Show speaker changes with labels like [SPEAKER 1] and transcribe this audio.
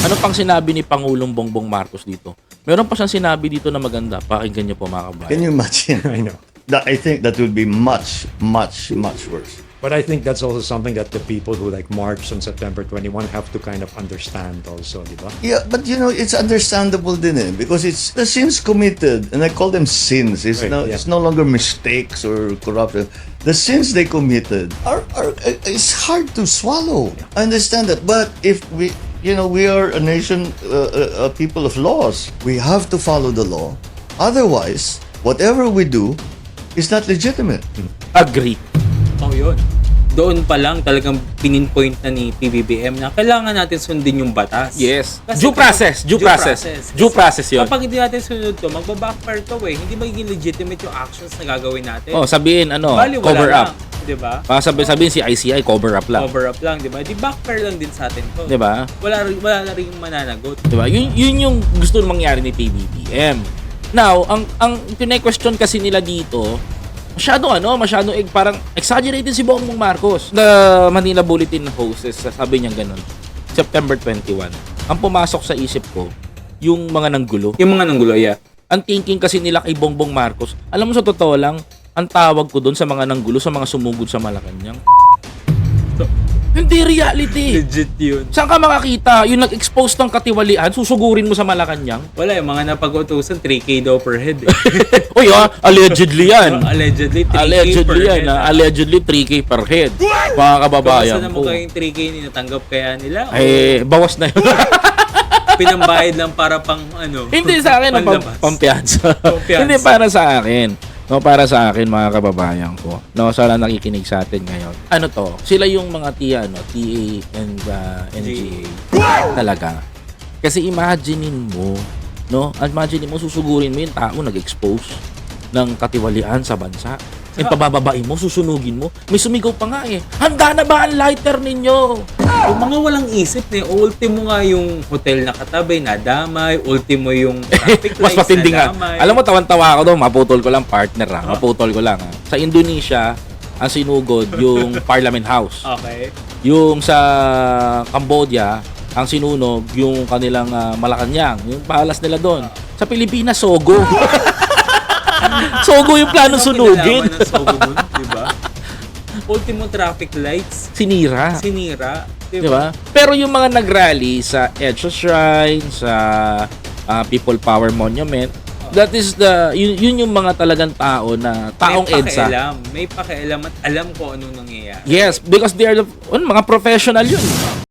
[SPEAKER 1] Ano pang sinabi ni Pangulong Bongbong Marcos dito? Meron pa siyang sinabi dito na maganda. Pakinggan niyo po mga kabayan.
[SPEAKER 2] Can you imagine?
[SPEAKER 3] I know.
[SPEAKER 2] I think that would be much, much, much worse.
[SPEAKER 3] But I think that's also something that the people who like marched on September 21 have to kind of understand also, di ba?
[SPEAKER 2] Yeah, but it's understandable din because it's the sins committed, and I call them sins. It's
[SPEAKER 3] Right, yeah.
[SPEAKER 2] it's no longer mistakes or corruption. The sins they committed are it's hard to swallow. I understand that, but if we are a nation, a people of laws. We have to follow the law. Otherwise, whatever we do is not legitimate.
[SPEAKER 1] Agree.
[SPEAKER 4] Oh, yun. Doon pa lang talagang pininpoint na ni PBBM na kailangan natin sundin yung batas.
[SPEAKER 1] Yes.
[SPEAKER 4] Kasi
[SPEAKER 1] Due process. Due process. Due process yun.
[SPEAKER 4] Kapag hindi natin sunod to, magbabackfire to eh. Hindi magiging legitimate yung actions na gagawin natin.
[SPEAKER 1] Oh, sabihin
[SPEAKER 4] Bali, wala
[SPEAKER 1] cover
[SPEAKER 4] lang,
[SPEAKER 1] up.
[SPEAKER 4] Diba?
[SPEAKER 1] Sabihin si ICI, cover up lang.
[SPEAKER 4] Cover up lang, diba? Di backfire lang din sa atin to.
[SPEAKER 1] Diba?
[SPEAKER 4] Wala na rin mananagot.
[SPEAKER 1] Diba? Yun yung gusto mangyari ni PBBM. Now, ang pine-question kasi nila dito, masyadong parang exaggerated si Bongbong Marcos. The Manila Bulletin hosts, sabi niya ganun, September 21. Ang pumasok sa isip ko, yung mga nanggulo.
[SPEAKER 4] Yung mga nanggulo, yeah.
[SPEAKER 1] Ang thinking kasi nila kay Bongbong Marcos, alam mo sa totoo lang, ang tawag ko doon sa mga nanggulo, sa mga sumugod sa Malacanang. Hindi reality.
[SPEAKER 4] Legit yun.
[SPEAKER 1] Saan ka makakita? Yung nag-expose ng katiwalian, susugurin mo sa Malacanang?
[SPEAKER 4] Wala, yung mga napag-utusan, 3K daw per head eh.
[SPEAKER 1] Uy, allegedly yan.
[SPEAKER 4] Allegedly, 3K
[SPEAKER 1] Allegedly
[SPEAKER 4] per
[SPEAKER 1] yan.
[SPEAKER 4] head.
[SPEAKER 1] Allegedly 3K per head. Mga kababayan
[SPEAKER 4] Basta na
[SPEAKER 1] ko.
[SPEAKER 4] mo kayong 3K natanggap kaya nila?
[SPEAKER 1] Bawas na yun.
[SPEAKER 4] Pinambayad lang para pang ano?
[SPEAKER 1] Hindi sa akin,
[SPEAKER 4] panlabas.
[SPEAKER 1] pampiyansa.
[SPEAKER 4] Pampiyansa.
[SPEAKER 1] Hindi para sa akin. No, para sa akin, mga kababayan ko. No, sana nakikinig sa atin ngayon. Ano to? Sila yung mga TA and NGA. Talaga. Kasi imaginein mo, no? Imaginein mo, susugurin mo yung tao nag-expose ng katiwalian sa bansa. And pabababain mo, susunugin mo. May sumigaw pa nga eh. Handa na ba ang lighter ninyo?
[SPEAKER 4] Yung mga walang isip na ultimo nga yung hotel na katabi, nadamay. Ultimo yung traffic
[SPEAKER 1] Mas
[SPEAKER 4] lights,
[SPEAKER 1] matindi nga.
[SPEAKER 4] nadamay.
[SPEAKER 1] Alam mo, tawan-tawa ako doon. Maputol ko lang, partner ha. Maputol ko lang ha. Sa Indonesia, ang sinugod yung Parliament House.
[SPEAKER 4] Okay.
[SPEAKER 1] Yung sa Cambodia, ang sinunog yung kanilang Malacanang. Yung palace nila doon. Sa Pilipinas, Sogo. Sogo yung plano sunugin.
[SPEAKER 4] Ano ng Sogo dun, diba? Ultimo traffic lights,
[SPEAKER 1] Sinira.
[SPEAKER 4] sinira.
[SPEAKER 1] Diba? Pero yung mga nag-rally sa EDSA Shrine, sa People Power Monument, that is yun yung mga talagang tao na taong EDSA.
[SPEAKER 4] May pakialam at alam ko anong nangyayari.
[SPEAKER 1] Yes, because they are mga professional yun.